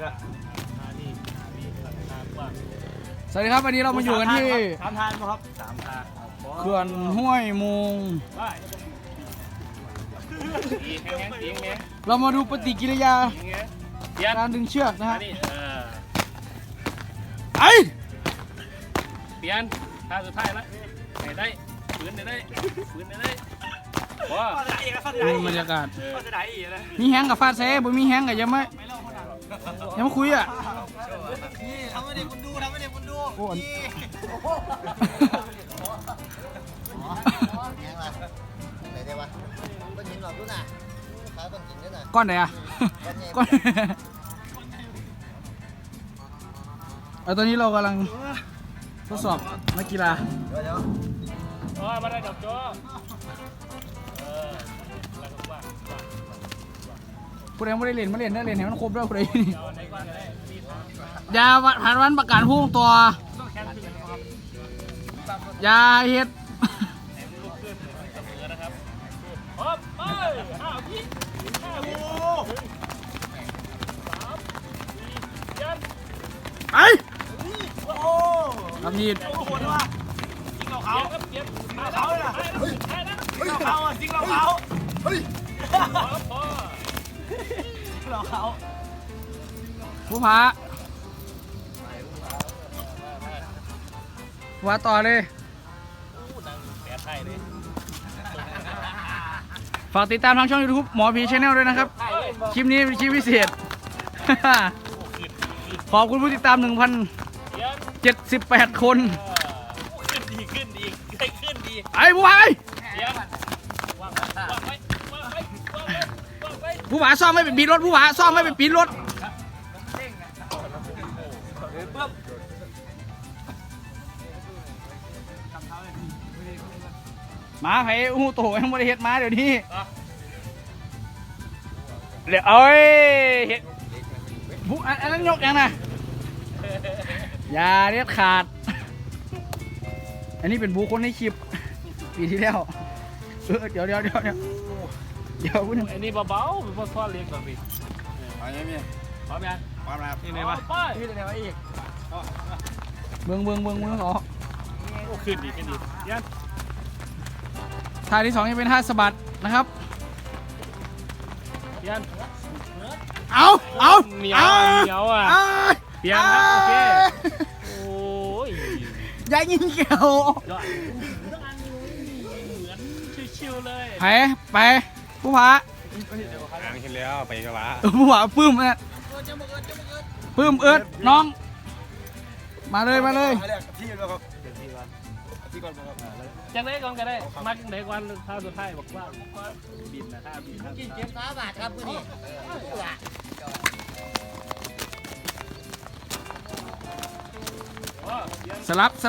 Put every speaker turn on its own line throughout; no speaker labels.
สวัสดีครับวันนี้เรามาอยู่กันที่
3 ทานครับ3 ทาน
เขื่อนห้วยมุงเรามาดูปฏิกิริยาการดึงเชือกนะฮะไอ
เปลี่ยนท่าสุดท้ายละไหนได้ปืนไหนได้ปืนไหนได้ว้า
บรรยากาศ
จะได้อีกเลย
มีแฮงกับฟาดเซ่บ่มีแฮงกับยังไม่คุยอ่ะ
นี่ทำให้เด็กคุณดู
โอ้
ไหนได้วะต้นหินหลอกดูน่ะขาต้นหินด้วยน่ะ
ก้อนไหนอ่ะก้อนตอนนี้เรากำลังทดสอบนักกีฬา
เดี๋ยว
มาได้ดับโจ้
ผู้ใดไม่ได้เล่นมาเล่นได้เล่นให้มันครบด้วยผู้ใดนี่ยาผ่านวันประกันพุ่งตัวยาเฮ็ดไอ้ทำยีด
จริงเราเขา
ผู้ผาว่าต่อเลยฝากติดตามทางช่อง YouTube หมอผีชาแนลด้วยนะครับคลิปนี้เป็นคลิปพิเศษขอบคุณผู้ติดตาม 1,078 คน
ขึ้นดี
ไอ้ผู้ผาผู้ผาซ่อมไม่เป็นปีนรถผู้ผาซ่อมไม่เป็นปีนรถมาไผ่หูโตยังไม่ได้เห็ดมาเดี๋ยวนี้เดี๋ยวเอ้ยเห็ดผู้อันนั้นยกยังนะอย่าเด็ดขาดอันนี้เป็นบูคนในคลิปปีที่แล้วเดี๋ยวพูด
อันนี้เบาๆเป็นพวกท่อเล็กแบบนี้
ไปยังมี
พร้อมยัง
พร้อมแล้ว
นี่ไหนวะ
นี่ไหนวะอีก
เมืองอ๋อ
ขึ้นดียัน
ท่าที่ 2ยังเป็นท่าสะบัดนะครับ
ยัน
เอา
เหนียวอ่ะเปลี่ยนครับโอเคโอ้ย
ยายยิงเกี่ยว
เหมือนชิวๆเลย
ไปผู้ผา
เห็นแล้วไปกันละ
ผู้ผาปื้มเนี่ยปื้มเอิร์ดน้องมาเลย
ที่แล้วครับที่ก่อนครับ
จังได้ก่อนก็ได้มักไหนก่อนท่าสุดท้ายบอกว่าบินนะท่าบิน
กินเจ็บขาบาดครับผู้นี้
สลับ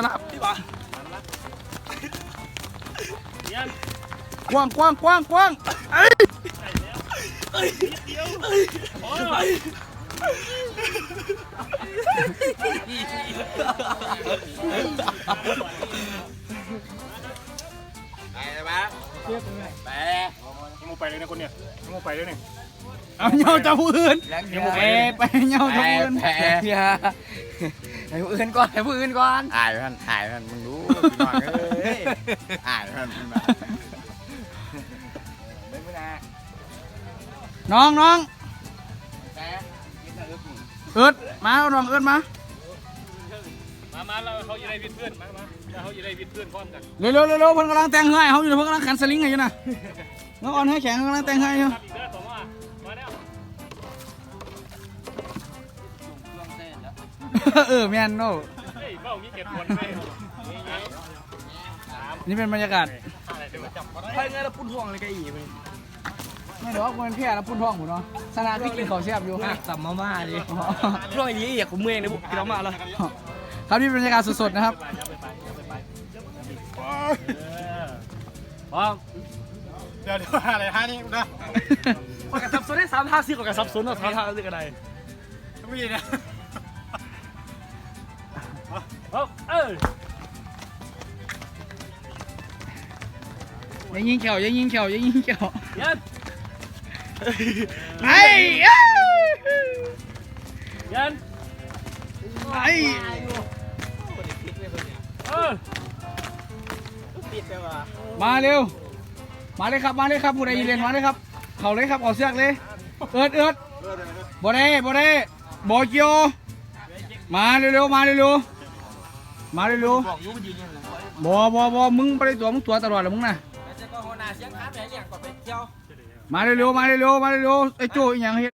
กว้างเอ้ย
ไปเลยนะคนเนี่ยไปเลยเนี่ย
เอาเงาจับผู้อื่นไปเงาจับผู้อื่น
ให้ผู้อื่นก่อนอายมันมึงรู้พี่น้องเอ้ยอายมัน
น้องเอิร์ดมาน้องเอิร์ดมา
เราเขาอยู่ในวิดเพื่อนมาเขาอยู่ในวิดเพื่อนพร้อมกัน
เร็วเพิ่นกำลังแต่งให้เขาอยู่เพิ่นกำลังขันสลิงอยู่นะน้องอ่อนให้แข็งกำลังแต่งให้อยู่แมนโน่นี่เป็นบรรยากาศ
ไปไงเราพุ่นห่วงอะไรกันอีก
ไม่หรอกมันแค่แล้วพุ่นท้องหมูเนาะสนามที่กินข้าวแซ่บอยู่
สัมมาม่าดิช่วงนี้อยากกูเมื่อยเลยกินมาแล้ว
ครับนี่เป็นบรรยากาศสดๆนะครับ
พร้อม
เดี๋ยวอะไรท่านี่นะปากกาซับซ้อนได้3 ท่า4ปากกาซับซ้อน3 ท่าเรื่องอะไรไม่ยินนะ
ยังยิงเขียวยัน
เปลี่ยน
ไอ้
ติดไปว่ะ
มาเร็วมาเลยครับผู้ใดยืนเล่นมาเลยครับเขาเลยครับเอาเสือกเลยเอิดบ่ได้บ่เกี่ยวมาเร็วๆมาเร็วๆ
บอกยุบยืนยังไง
บ่มึงไปตัวมึงตัวตลอดเลยมึงน่ะ
แล้วจะก็หัวหน้าเสียงค้าแม่เรียกก่อนไปเที่ยว
มาเร็วไอ้โจ้อีหยังเฮ็ด